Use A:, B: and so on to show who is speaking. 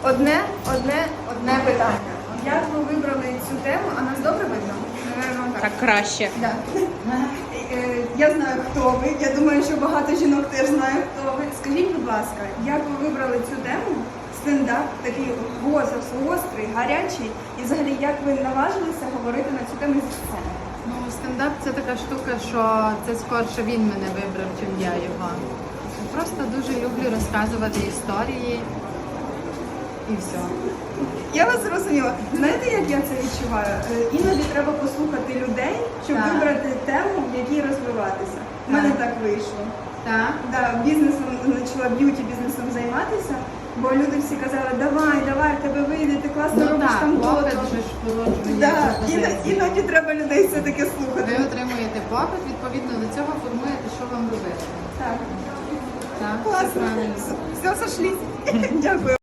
A: Одне питання. Як ви вибрали цю тему? А нас добре видно? Наверно,
B: Так краще.
A: Да. Я знаю, хто ви. Я думаю, що багато жінок теж знає, хто ви. Скажіть, будь ласка, як ви вибрали цю тему? Стендап такий гострий, гарячий. І взагалі, як ви наважилися говорити на цю тему зі сцени?
B: Ну, стендап це така штука, що це скорше він мене вибрав, чим я його. Просто дуже люблю розказувати історії і все.
A: Я вас зрозуміла. Знаєте, як я це відчуваю? Іноді треба послухати людей, щоб
B: Так.
A: вибрати тему, в якій розвиватися. У мене так вийшло.
B: Так?
A: Да, бізнесом почала б'юті-бізнесом займатися, бо люди всі казали, давай, в тебе вийде, ти класно робиш там
B: попит
A: то-то.
B: же ж породжує
A: Да,
B: пропозиції.
A: іноді треба людей все-таки слухати.
B: Ви отримуєте попит, відповідно до цього формуєте, що вам робити.
A: Так,
B: Так, все
A: класно.
B: правильно.
A: Все, сошлись. Дякую.